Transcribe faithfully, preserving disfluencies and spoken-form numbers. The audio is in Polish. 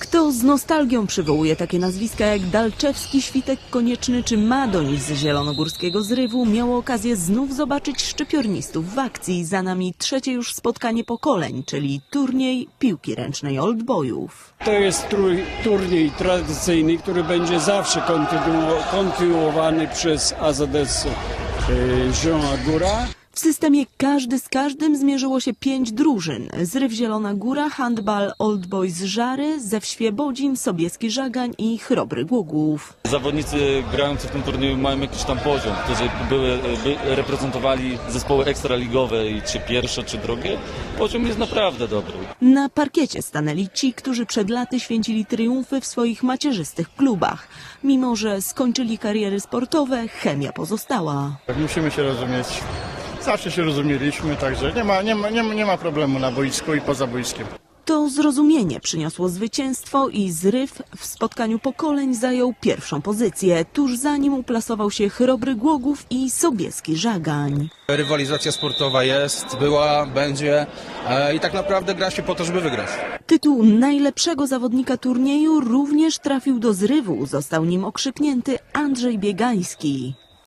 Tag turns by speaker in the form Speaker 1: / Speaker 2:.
Speaker 1: Kto z nostalgią przywołuje takie nazwiska jak Dalczewski, Świtek Konieczny czy Madoń z zielonogórskiego zrywu, miał okazję znów zobaczyć szczypiornistów w akcji. Za nami trzecie już spotkanie pokoleń, czyli turniej piłki ręcznej oldboyów.
Speaker 2: To jest turniej tradycyjny, który będzie zawsze kontynu- kontynuowany przez A Z S Zielona Góra.
Speaker 1: W systemie każdy z każdym zmierzyło się pięć drużyn. Zryw Zielona Góra, handbal Old Boys Żary, Zew Świebodzin, Sobieski Żagań i Chrobry Głogów.
Speaker 3: Zawodnicy grający w tym turnieju mają jakiś tam poziom, którzy były, by, reprezentowali zespoły ekstraligowe i czy pierwsze, czy drugie. Poziom jest naprawdę dobry.
Speaker 1: Na parkiecie stanęli ci, którzy przed laty święcili triumfy w swoich macierzystych klubach. Mimo że skończyli kariery sportowe, chemia pozostała.
Speaker 4: Musimy się rozumieć. Zawsze się rozumieliśmy, także nie ma, nie ma, nie ma, nie ma problemu na boisku i poza boiskiem.
Speaker 1: To zrozumienie przyniosło zwycięstwo i Zryw w spotkaniu pokoleń zajął pierwszą pozycję. Tuż za nim uplasował się Chrobry Głogów i Sobieski Żagań.
Speaker 5: Rywalizacja sportowa jest, była, będzie e, i tak naprawdę gra się po to, żeby wygrać.
Speaker 1: Tytuł najlepszego zawodnika turnieju również trafił do Zrywu. Został nim okrzyknięty Andrzej Biegański.